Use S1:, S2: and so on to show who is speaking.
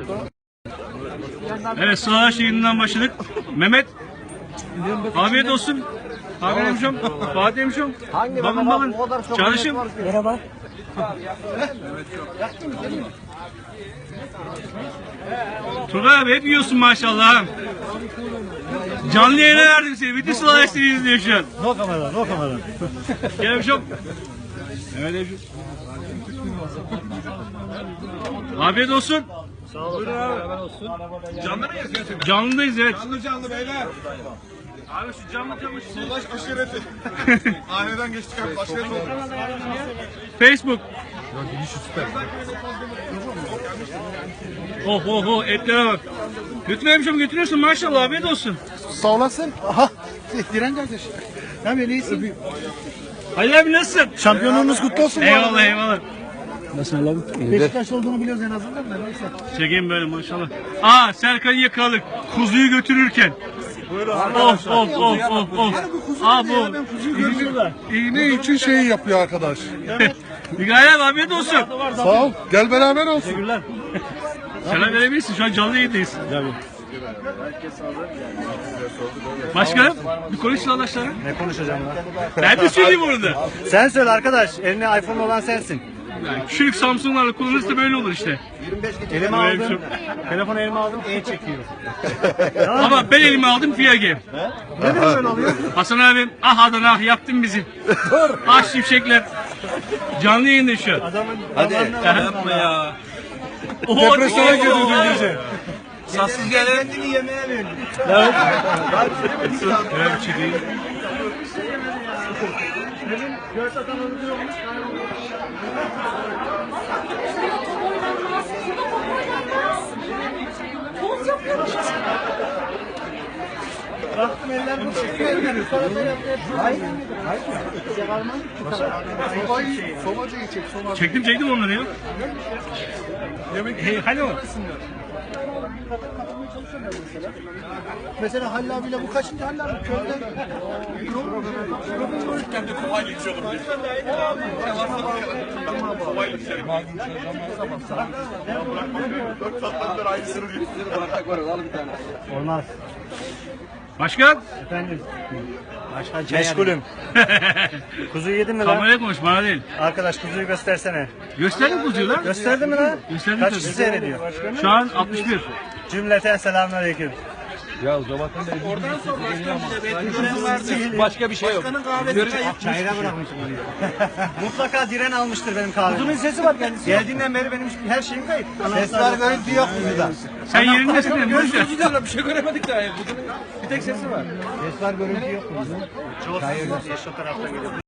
S1: Evet, Sığalaş yayınından başladık. Mehmet, afiyet olsun. Hakan hemşom, Fatih hemşom, bakın bakın, çalışım.
S2: Merhaba.
S1: Turgay abi hep yiyorsun maşallah. Canlı yayına verdim seni. Bütün Sığalaş seni izliyor şu an.
S2: No kamera, no kamera.
S1: Gel hemşom. Evet hemşom. Afiyet olsun.
S2: Sağ olun. Beraber olsun.
S3: Canlı mıyız gerçekten?
S1: Canlıyız evet.
S3: Canlı beyler.
S1: Abi şu canlı
S3: Sulaş aşireti. Aileden geçtik abi. Aşiret oldu.
S1: Facebook.
S3: Ya gidiş süper.
S1: Oh oh oh, etlere bak. Götür hemşom, götürüyorsun maşallah, afiyet olsun.
S3: Sağ olasın.
S2: Aha, Diren kardeş. Ne yapıyorsun, iyisin?
S1: Halil abi nasılsın?
S2: Şampiyonluğunuz kutlu olsun.
S1: Eyvallah eyvallah.
S2: Nasıl abi? Beşiktaş olduğunu biliyoruz en azından da neyse.
S1: Çekeyim böyle maşallah. Aa, Serkan'ı yakaladık. Kuzuyu götürürken. Of of of of of. Aa bu.
S3: İğne için şey yapıyor arkadaş.
S1: Mikail abi afiyet olsun.
S3: Sağ ol. Gel beraber olsun.
S2: Teşekkürler.
S1: Selam verebilirsin, şu an canlı yayındayız. Başkanım, bir konuş arkadaşlara.
S2: Ne konuşacağım lan?
S1: Ben de söyleyeyim orada.
S2: Sen söyle arkadaş. Eline iPhone olan sensin.
S1: Yani küçük Samsung'larla kullanırsa böyle olur işte.
S2: Elime
S1: Öyle bir
S2: aldım. Telefonu elime aldım. Çekiyor.
S1: Ama ben elime aldım Fiyage.
S2: Ne diyor böyle oluyor?
S1: Hasan abim, ah Adana ah yaktın bizi. Ah şimşekler. Canlı yayında şu an.
S2: Adamın
S1: Yapma ya.
S3: Depresyona girdi dün gece.
S1: Sassız gelin.
S2: kendini yemeğe verdi.
S1: Evet, çekeyim.
S2: Göğüs atan öldürüyor olmuş. Baktım eller bu çekiyor. Hayır.
S3: Somacıyı çek. Somacı.
S1: Çektim onları ya. Hadi o.
S2: Mesela Halil abiyle bu kaçıncı Halil abi? Köyden.
S3: Kendi kovayla içiyordum. Kovayla içerim. Aynısını diyor.
S2: Olmaz.
S1: Başkan.
S2: Efendim. Başkan meşgulüm. Kuzuyu yedin mi lan?
S1: Kameraya konuş, bana değil.
S2: Arkadaş kuzuyu göstersene.
S1: Gösterdim kuzuyu lan.
S2: Gösterdin mi lan?
S1: Gösterdim
S2: Kaç
S1: tabii.
S2: kişi seyrediyor?
S1: Şu an 61.
S2: Cümleten selamünaleyküm.
S3: Başka bir şey yok.
S2: Çayıra bırakmışım oraya. Mutlaka Diren almıştır benim kahvemi. Kuzunun sesi var kendisi. Geldiğinden beri benim her şeyim kayıp. Ses var, görüntü yok burada.
S1: Sen yerindesin değil mi?
S3: Bir şey göremedik daha. Bir tek sesi var.
S2: Ses var, görüntü yok burada. Çok hayırlı. Şu tarafta geliyor.